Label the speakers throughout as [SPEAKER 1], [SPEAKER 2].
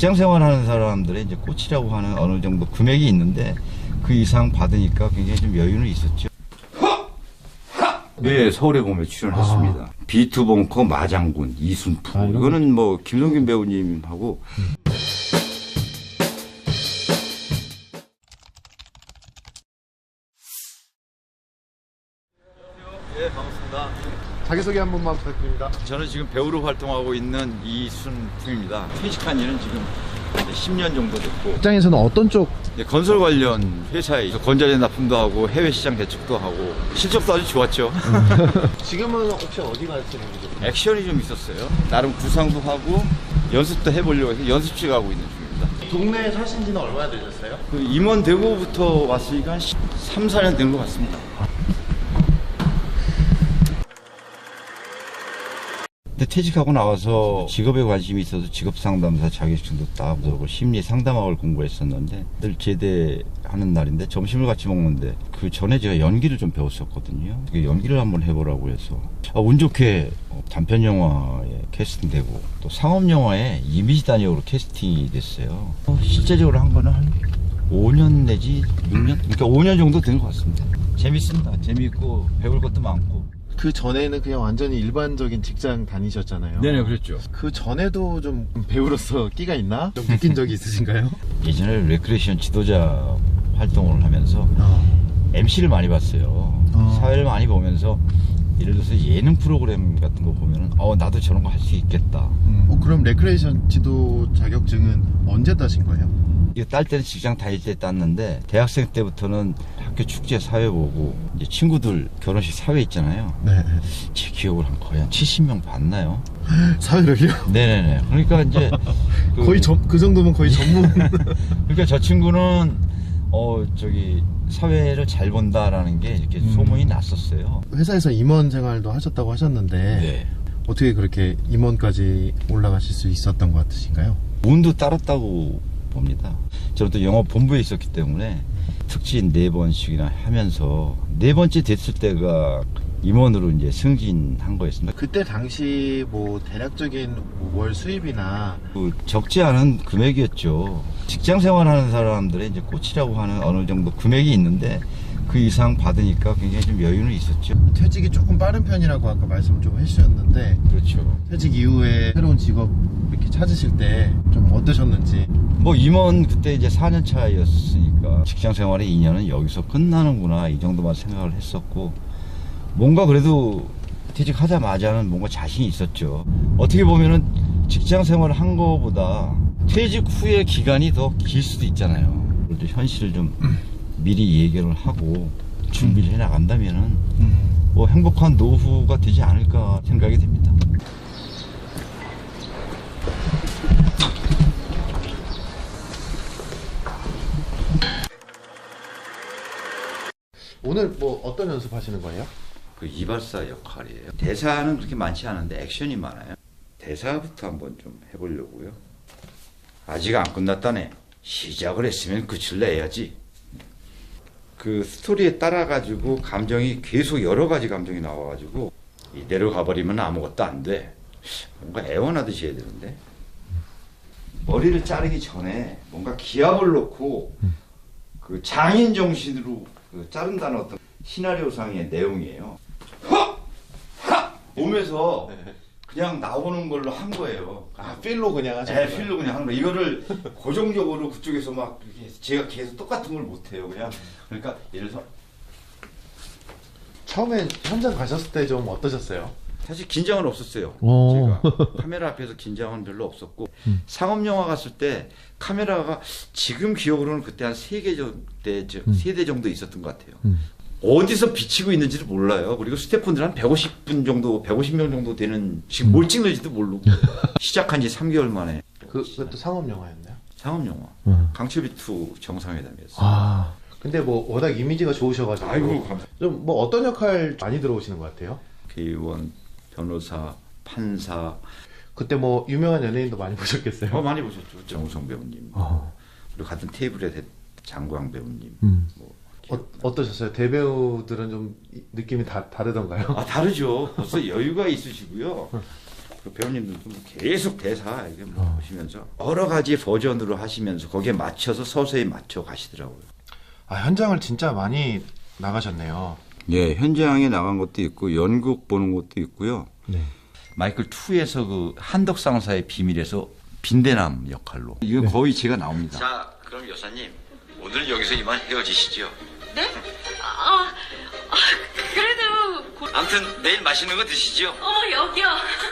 [SPEAKER 1] 직장 생활하는 사람들의 이제 꽃이라고 하는 어느 정도 금액이 있는데 그 이상 받으니까 굉장히 좀 여유는 있었죠. 네, 서울의 봄에 출연했습니다. 비투벙커 마장군 이순프. 이거는 뭐 김성균 배우님하고. 네, 반갑습니다.
[SPEAKER 2] 자기소개 한 번만 부탁드립니다.
[SPEAKER 1] 저는 지금 배우로 활동하고 있는 이순프입니다. 퇴직한 지는 지금 10년 정도 됐고.
[SPEAKER 2] 직장에서는 어떤 쪽?
[SPEAKER 1] 건설 관련 회사에 건자재 납품도 하고 해외 시장 대책도 하고 실적도 아주 좋았죠.
[SPEAKER 2] 지금은 혹시 어디 가시는 거죠?
[SPEAKER 1] 액션이 좀 있었어요. 나름 구상도 하고 연습도 해보려고 해서 연습실 가고 있는 중입니다.
[SPEAKER 2] 동네에 사신 지는 얼마나 되셨어요?
[SPEAKER 1] 그 임원되고부터 왔으니까 한 3, 4년 된 것 같습니다. 근데 퇴직하고 나와서 직업에 관심이 있어서 직업상담사 자격증도 따고 심리상담학을 공부했었는데 늘 제대하는 날인데 점심을 같이 먹는데 그 전에 제가 연기를 좀 배웠었거든요. 연기를 한번 해보라고 해서 운 좋게 단편영화에 캐스팅되고 또 상업영화에 이미지 단역으로 캐스팅이 됐어요. 실제적으로 한 거는 한 5년 내지 6년? 그러니까 5년 정도 된 것 같습니다. 재밌습니다. 재밌고 배울 것도 많고.
[SPEAKER 2] 그 전에는 그냥 완전히 일반적인 직장 다니셨잖아요.
[SPEAKER 1] 네네, 그랬죠.
[SPEAKER 2] 그 전에도 좀 배우로서 끼가 있나? 좀 느낀 적이 있으신가요?
[SPEAKER 1] 예전에 레크레이션 지도자 활동을 하면서 MC를 많이 봤어요. 사회를 많이 보면서 예를 들어서 예능 프로그램 같은 거 보면은 나도 저런 거 할 수 있겠다.
[SPEAKER 2] 그럼 레크레이션 지도 자격증은 언제 따신 거예요?
[SPEAKER 1] 이거 딸 때는 직장 다닐 때 땄는데 대학생 때부터는 학교 축제 사회 보고 이제 친구들 결혼식 사회 있잖아요.
[SPEAKER 2] 네.
[SPEAKER 1] 제 기억으로 거의 한 70명 봤나요?
[SPEAKER 2] 사회를요?
[SPEAKER 1] 네네네. 그러니까 이제
[SPEAKER 2] 거의 그 정도면 거의 전문.
[SPEAKER 1] 그러니까 저 친구는 사회를 잘 본다라는 게 이렇게 소문이 났었어요.
[SPEAKER 2] 회사에서 임원 생활도 하셨다고 하셨는데
[SPEAKER 1] 네.
[SPEAKER 2] 어떻게 그렇게 임원까지 올라가실 수 있었던 것 같으신가요?
[SPEAKER 1] 운도 따랐다고 봅니다. 저는 또 영업 본부에 있었기 때문에 특진 4번씩이나 하면서 4번째 됐을 때가 임원으로 이제 승진한 거였습니다.
[SPEAKER 2] 그때 당시 뭐 대략적인 월 수입이나
[SPEAKER 1] 적지 않은 금액이었죠. 직장 생활하는 사람들의 이제 꽃이라고 하는 어느 정도 금액이 있는데 그 이상 받으니까 굉장히 좀 여유는 있었죠.
[SPEAKER 2] 퇴직이 조금 빠른 편이라고 아까 말씀을 좀 해주셨는데,
[SPEAKER 1] 그렇죠.
[SPEAKER 2] 퇴직 이후에 새로운 직업 이렇게 찾으실 때 좀 어떠셨는지.
[SPEAKER 1] 뭐 임원 그때 이제 4년 차였으니까 직장 생활의 2년은 여기서 끝나는구나 이 정도만 생각을 했었고, 뭔가 그래도 퇴직하자마자는 뭔가 자신이 있었죠. 어떻게 보면은 직장 생활을 한 거보다 퇴직 후의 기간이 더 길 수도 있잖아요. 그래도 현실을 좀 미리 예견을 하고 준비를 해 나간다면은 뭐 행복한 노후가 되지 않을까 생각이 됩니다.
[SPEAKER 2] 오늘 뭐 어떤 연습하시는 거예요?
[SPEAKER 1] 그 이발사 역할이에요. 대사는 그렇게 많지 않은데 액션이 많아요. 대사부터 한번 좀 해보려고요. 아직 안 끝났다네. 시작을 했으면 끝을 내야지. 그 스토리에 따라가지고 감정이 계속 여러 가지 감정이 나와가지고 이대로 가버리면 아무것도 안 돼. 뭔가 애원하듯이 해야 되는데 머리를 자르기 전에 뭔가 기압을 놓고 그 장인 정신으로 그 자른다는 어떤 시나리오상의 내용이에요. 몸에서 그냥 나오는 걸로 한 거예요.
[SPEAKER 2] 필로 그냥 하죠.
[SPEAKER 1] 네, 필로 그냥 하는 거. 이거를 고정적으로 그쪽에서 막 이렇게 제가 계속 똑같은 걸 못해요. 그냥 그러니까 예를 들어서
[SPEAKER 2] 처음에 현장 가셨을 때 좀 어떠셨어요?
[SPEAKER 1] 사실 긴장은 없었어요. 제가 카메라 앞에서 긴장은 별로 없었고 상업 영화 갔을 때 카메라가 지금 기억으로는 그때 한 3대 정도 있었던 것 같아요. 어디서 비치고 있는지도 몰라요. 그리고 스태프분들 한 150분 정도, 150명 정도 되는 지금 뭘 찍는지도 모르고 시작한 지 3개월 만에.
[SPEAKER 2] 그것도 상업 영화였나요?
[SPEAKER 1] 상업 영화. 강철비2 정상회담이었어요.
[SPEAKER 2] 근데 뭐 워낙 이미지가 좋으셔가지고.
[SPEAKER 1] 아이고, 감사합니다.
[SPEAKER 2] 좀 뭐 어떤 역할 많이 들어오시는 것 같아요?
[SPEAKER 1] 대의원, 변호사, 판사.
[SPEAKER 2] 그때 뭐 유명한 연예인도 많이 보셨겠어요?
[SPEAKER 1] 많이 보셨죠. 정우성 배우님. 그리고 같은 테이블에 장광 배우님. 뭐.
[SPEAKER 2] 어떠셨어요? 대배우들은 좀 느낌이 다르던가요?
[SPEAKER 1] 다르죠. 벌써 여유가 있으시고요. 그 배우님들도 뭐 계속 대사 이게 뭐 보시면서 여러 가지 버전으로 하시면서 거기에 맞춰서 서서히 맞춰 가시더라고요.
[SPEAKER 2] 아, 현장을 진짜 많이 나가셨네요.
[SPEAKER 1] 예, 현장에 나간 것도 있고 연극 보는 것도 있고요.
[SPEAKER 2] 네.
[SPEAKER 1] 마이클 2에서 그 한덕상사의 비밀에서 빈대남 역할로 이거 거의 제가 나옵니다. 자, 그럼 여사님 오늘 여기서 이만 헤어지시죠.
[SPEAKER 3] 네? 그래도
[SPEAKER 1] 아무튼 내일 맛있는 거 드시죠.
[SPEAKER 3] 여기요.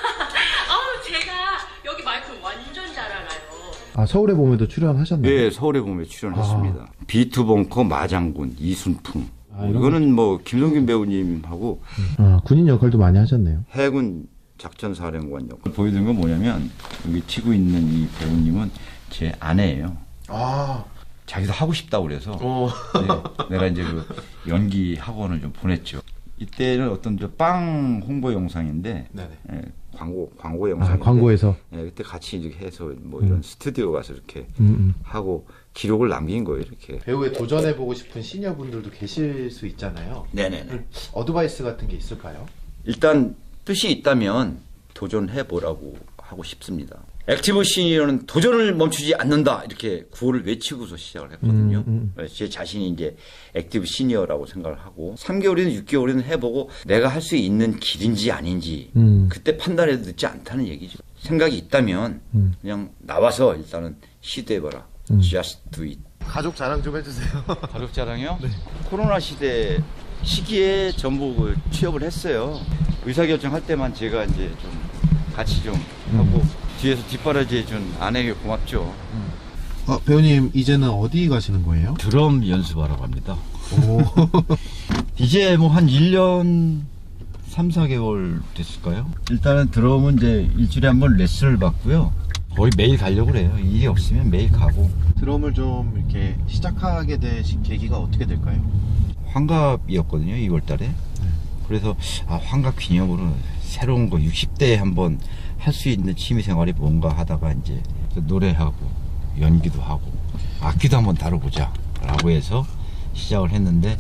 [SPEAKER 3] 제가 여기 마이크 완전 잘 알아요.
[SPEAKER 2] 아, 서울의 봄에도 출연하셨나요?
[SPEAKER 1] 예, 서울의 봄에 출연했습니다. 비투벙커 마장군 이순풍.
[SPEAKER 2] 이런
[SPEAKER 1] 이거는 뭐 김동균 배우님하고
[SPEAKER 2] 군인 역할도 많이 하셨네요.
[SPEAKER 1] 해군 작전사령관 역할 보여드린 건 뭐냐면 여기 치고 있는 이 배우님은 제 아내예요.
[SPEAKER 2] 아,
[SPEAKER 1] 자기도 하고 싶다고 그래서 네, 내가 이제 그 연기 학원을 좀 보냈죠. 이때는 어떤 저 빵 홍보 영상인데
[SPEAKER 2] 네네.
[SPEAKER 1] 예, 광고 영상.
[SPEAKER 2] 광고에서.
[SPEAKER 1] 예, 그때 같이 이렇게 해서 뭐 이런 스튜디오 가서 이렇게 하고 기록을 남긴 거예요. 이렇게.
[SPEAKER 2] 배우에 도전해보고 싶은 시니어분들도 계실 수 있잖아요.
[SPEAKER 1] 네네네.
[SPEAKER 2] 어드바이스 같은 게 있을까요?
[SPEAKER 1] 일단 뜻이 있다면 도전해 보라고 하고 싶습니다. 액티브 시니어는 도전을 멈추지 않는다 이렇게 구호를 외치고서 시작을 했거든요. 제 자신이 이제 액티브 시니어라고 생각을 하고 3개월이든 6개월이든 해보고 내가 할 수 있는 길인지 아닌지 그때 판단해도 늦지 않다는 얘기죠. 생각이 있다면 그냥 나와서 일단은 시도해봐라. Just do it.
[SPEAKER 2] 가족 자랑 좀 해주세요.
[SPEAKER 1] 가족 자랑이요? 네. 코로나 시대 시기에 전부 그 취업을 했어요. 의사결정 할 때만 제가 이제 좀 같이 좀 하고 뒤에서 뒷바라지 해준 아내에게 고맙죠.
[SPEAKER 2] 배우님 이제는 어디 가시는 거예요?
[SPEAKER 1] 드럼 연습하러 갑니다.
[SPEAKER 2] 오.
[SPEAKER 1] 이제 뭐 한 1년 3, 4개월 됐을까요? 일단은 드럼은 이제 일주일에 한 번 레슨을 받고요. 거의 매일 가려고 그래요. 일이 없으면 매일 가고.
[SPEAKER 2] 드럼을 좀 이렇게 시작하게 되신 계기가 어떻게 될까요?
[SPEAKER 1] 환갑이었거든요, 2월 달에. 그래서 환갑 기념으로 새로운 거 60대에 한번 할 수 있는 취미 생활이 뭔가 하다가 이제 노래하고 연기도 하고 악기도 한번 다뤄보자 라고 해서 시작을 했는데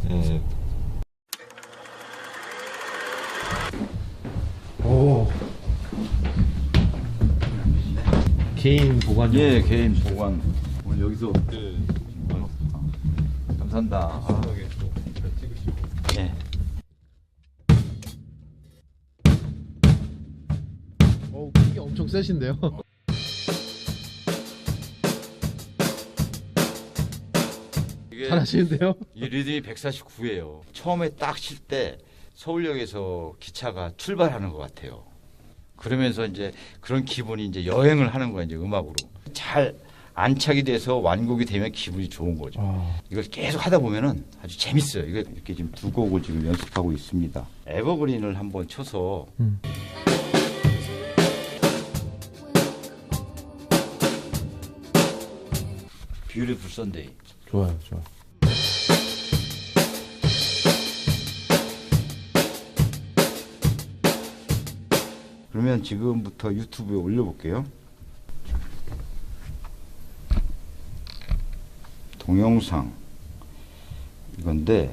[SPEAKER 2] 오. 개인 보관용.
[SPEAKER 1] 예, 개인 보관. 오늘 여기서 감사합니다. 예.
[SPEAKER 2] 이게 엄청 세신데요. 잘하시는데요?
[SPEAKER 1] 이 리듬이 149예요. 처음에 딱 칠 때 서울역에서 기차가 출발하는 것 같아요. 그러면서 이제 그런 기분이 이제 여행을 하는 거야, 이제 음악으로. 잘 안착이 돼서 완곡이 되면 기분이 좋은 거죠. 이걸 계속 하다 보면은 아주 재밌어요. 이거 이렇게 지금 두 곡을 지금 연습하고 있습니다. 에버그린을 한번 쳐서 Beautiful Sunday.
[SPEAKER 2] 좋아요, 좋아.
[SPEAKER 1] 그러면 지금부터 유튜브에 올려볼게요. 동영상 이건데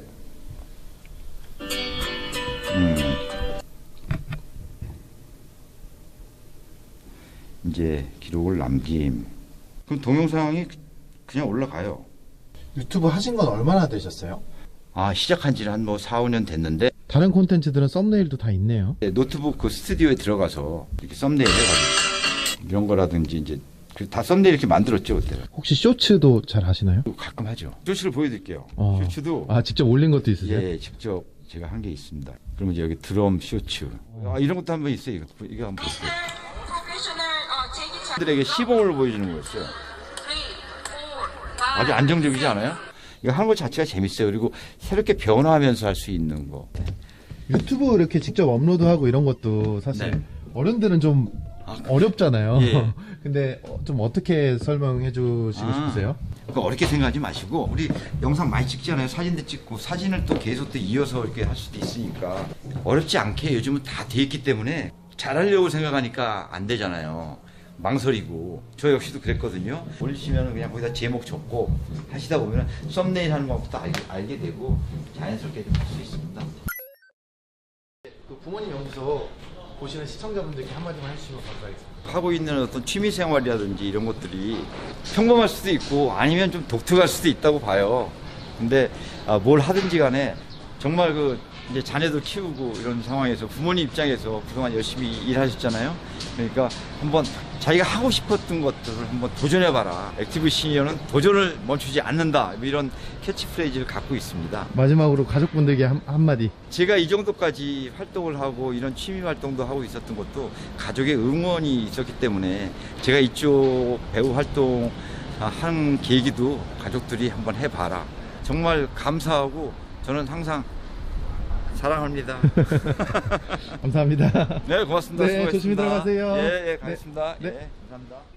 [SPEAKER 1] 이제 기록을 남김. 그럼 동영상이 그냥 올라가요.
[SPEAKER 2] 유튜브 하신 건 얼마나 되셨어요?
[SPEAKER 1] 시작한 지는 한 뭐 4, 5년 됐는데
[SPEAKER 2] 다른 콘텐츠들은 썸네일도 다 있네요.
[SPEAKER 1] 노트북 그 스튜디오에 들어가서 이렇게 썸네일 해가지고 이런 거라든지 이제 다 썸네일 이렇게 만들었죠 그때.
[SPEAKER 2] 혹시 쇼츠도 잘 하시나요?
[SPEAKER 1] 가끔 하죠. 쇼츠를 보여드릴게요. 쇼츠도
[SPEAKER 2] 직접 올린 것도 있으세요?
[SPEAKER 1] 예, 직접 제가 한 게 있습니다. 그러면 이제 여기 드럼 쇼츠 이런 것도 한번 있어요. 이거 한번 보세요. 들에게 시범을 보여주는 거였어요. 아주 안정적이지 않아요? 이거 하는 것 자체가 재밌어요. 그리고 새롭게 변화하면서 할 수 있는 거.
[SPEAKER 2] 유튜브 이렇게 직접 업로드하고 이런 것도 사실
[SPEAKER 1] 네.
[SPEAKER 2] 어른들은 좀 어렵잖아요.
[SPEAKER 1] 예.
[SPEAKER 2] 근데 좀 어떻게 설명해 주시고 싶으세요?
[SPEAKER 1] 그거 어렵게 생각하지 마시고 우리 영상 많이 찍잖아요. 사진도 찍고 사진을 또 계속 또 이어서 이렇게 할 수도 있으니까 어렵지 않게 요즘은 다 돼 있기 때문에 잘하려고 생각하니까 안 되잖아요. 망설이고 저 역시도 그랬거든요. 올리시면 그냥 거기다 제목 적고 하시다 보면 썸네일 하는 것부터 알게 되고 자연스럽게 좀 할 수 있습니다.
[SPEAKER 2] 그 부모님 연구소 보시는 시청자분들께 한마디만 해주시면 감사하겠습니다.
[SPEAKER 1] 하고 있는 어떤 취미 생활이라든지 이런 것들이 평범할 수도 있고 아니면 좀 독특할 수도 있다고 봐요. 근데 뭘 하든지 간에 정말 이제 자녀도 키우고 이런 상황에서 부모님 입장에서 그동안 열심히 일하셨잖아요. 그러니까 한번 자기가 하고 싶었던 것들을 한번 도전해봐라. 액티브 시니어는 도전을 멈추지 않는다. 뭐 이런 캐치프레이즈를 갖고 있습니다.
[SPEAKER 2] 마지막으로 가족분들께 한마디.
[SPEAKER 1] 제가 이 정도까지 활동을 하고 이런 취미 활동도 하고 있었던 것도 가족의 응원이 있었기 때문에 제가 이쪽 배우 활동 한 계기도 가족들이 한번 해봐라. 정말 감사하고 저는 항상 사랑합니다.
[SPEAKER 2] 감사합니다.
[SPEAKER 1] 네, 고맙습니다.
[SPEAKER 2] 네,
[SPEAKER 1] 수고하셨습니다.
[SPEAKER 2] 조심히 들어가세요.
[SPEAKER 1] 예, 가겠습니다.
[SPEAKER 2] 네.
[SPEAKER 1] 예, 감사합니다.